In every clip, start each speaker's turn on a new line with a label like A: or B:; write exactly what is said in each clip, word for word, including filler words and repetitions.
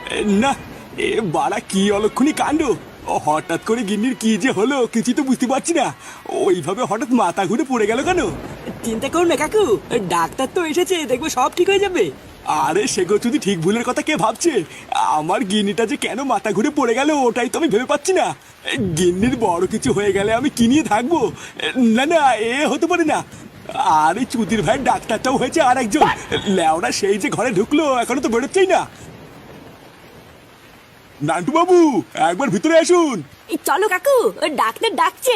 A: না, এ বাড়া কি অলক্ষণী কাণ্ড। ও হঠাৎ করে গিন্নির কি যে হলো কিছু তো বুঝতে পারছি না। ওইভাবে হঠাৎ মাথা ঘুরে পড়ে গেল কেন?
B: চিন্তা করো না কাকু, ডাক্তার তো এসেছে, দেখবো সব ঠিক হয়ে যাবে।
A: আরে সেগো যদি ঠিক ভুলের কথা কে ভাবছে? আমার গিন্নিটা যে কেন মাথা ঘুরে পড়ে গেল ওটাই তো আমি ভেবে পাচ্ছি না। গিন্নির বড় কিছু হয়ে গেলে আমি কি নিয়ে থাকবো? না না, এ হতে পারে না। আরে চুদির ভাইয়ের ডাক্তারটাও হয়েছে আর একজন। লেওরা সেই যে ঘরে ঢুকলো এখনো তো বেরোচ্ছেই না। নান্টু বাবু, একবার ভিতরে আসুন।
C: এই চলো কাকু, ওই ডাক্তার ডাকছে।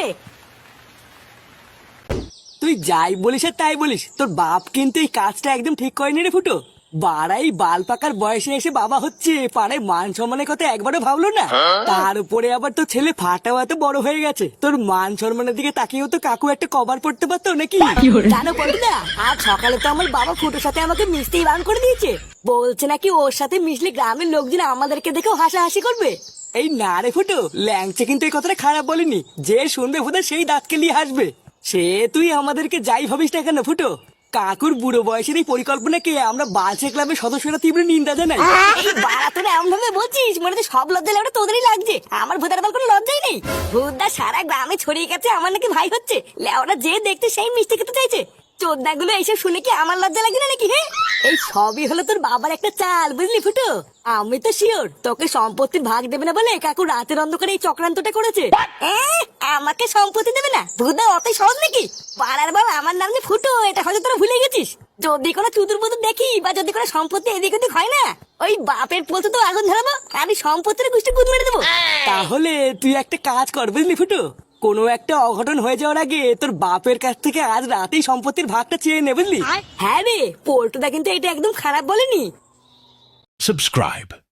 B: তুই যাই বলিস আর তাই বলিস, তোর বাপ কিন্তু এই কাজটা একদম ঠিক করেনি রে ফুটো। বাড়াই বাল পাকার বয়সে এসে বাবা হচ্ছে, পাড়ায় মান সম্মানের কথা একবারও ভাবলো না। তার উপরে আবার তোর ছেলে ফাটাও এত বড় হয়ে গেছে, তোর মান সম্মানের দিকে তাকিয়েও তো কাকু একটা কভার পড়তে পারতো নাকি?
C: জানো পল্টুদা, আজ সকালে তো আমার বাবা ফুটোর সাথে আমাকে মিশতেই বারণ করে দিয়েছে। বলছে নাকি ওর সাথে মিশলে গ্রামের লোকজন আমাদেরকে দেখেও হাসাহাসি করবে।
B: এই না রে ফুটো, ল্যাংচে কিন্তু এই কথাটা খারাপ বলেনি। যে শুনবে ফুটো সেই দাঁতকে নিয়ে হাসবে। সে তুই আমাদেরকে যাই ভাবিস না কেন ফুটো, কাকুর বুড়ো বয়সের এই পরিকল্পনাকে আমরা বালছে ক্লাবের সদস্যরা তীব্র নিন্দা জানাই।
C: এই বাড়া তোরা এমন ভাবে বলছিস মনে হচ্ছে সব লজ্জা লেওটা তোদেরই লাগছে, আমার ভূতের বল কোনো লজ্জাই নেই। ভূতদা সারা গ্রামে ছড়িয়ে গেছে আমার নাকি ভাই হচ্ছে, লেওরা যে দেখতে সেই মিষ্টি খেতে চাইছে। চোদ্দা গুলো এইসব শুনে কি আমার লজ্জা লাগে না নাকি? হ্যাঁ, এই সবই হলো তোর বাবার একটা চাল, বুঝলি ফুটো? আমি তো শিওর তোকে সম্পত্তির ভাগ দেবে না বলে কাকু রাতের অন্ধকারে এই চক্রান্তটা করেছে। এ, আমাকে সম্পত্তি দেবে না? ভূতদা অতই সহজ নাকি? পাড়ার বাবা আমার নাম যে ফুটো, এটা হয়তো তোরা ভুলে গেছিস। যদি কোনো চুতুর পুতুর দেখি বা যদি কোনো সম্পত্তি এদিক ওদিক হয় না, ওই বাপের পোতে তো আগুন ধরাবো, আমি সম্পত্তির গোষ্ঠী গুদ মেরে দেবো।
B: তাহলে তুই একটা কাজ কর বুঝলি ফুটো, কোনো একটা অঘটন হয়ে যাওয়ার আগে তোর বাপের কাছ থেকে আজ রাতেই সম্পত্তির ভাগটা চেয়ে নে বুঝলি।
C: হ্যাঁ রে, পোল্টুদা কিন্তু এটা একদম খারাপ বলেনি।
D: Subscribe.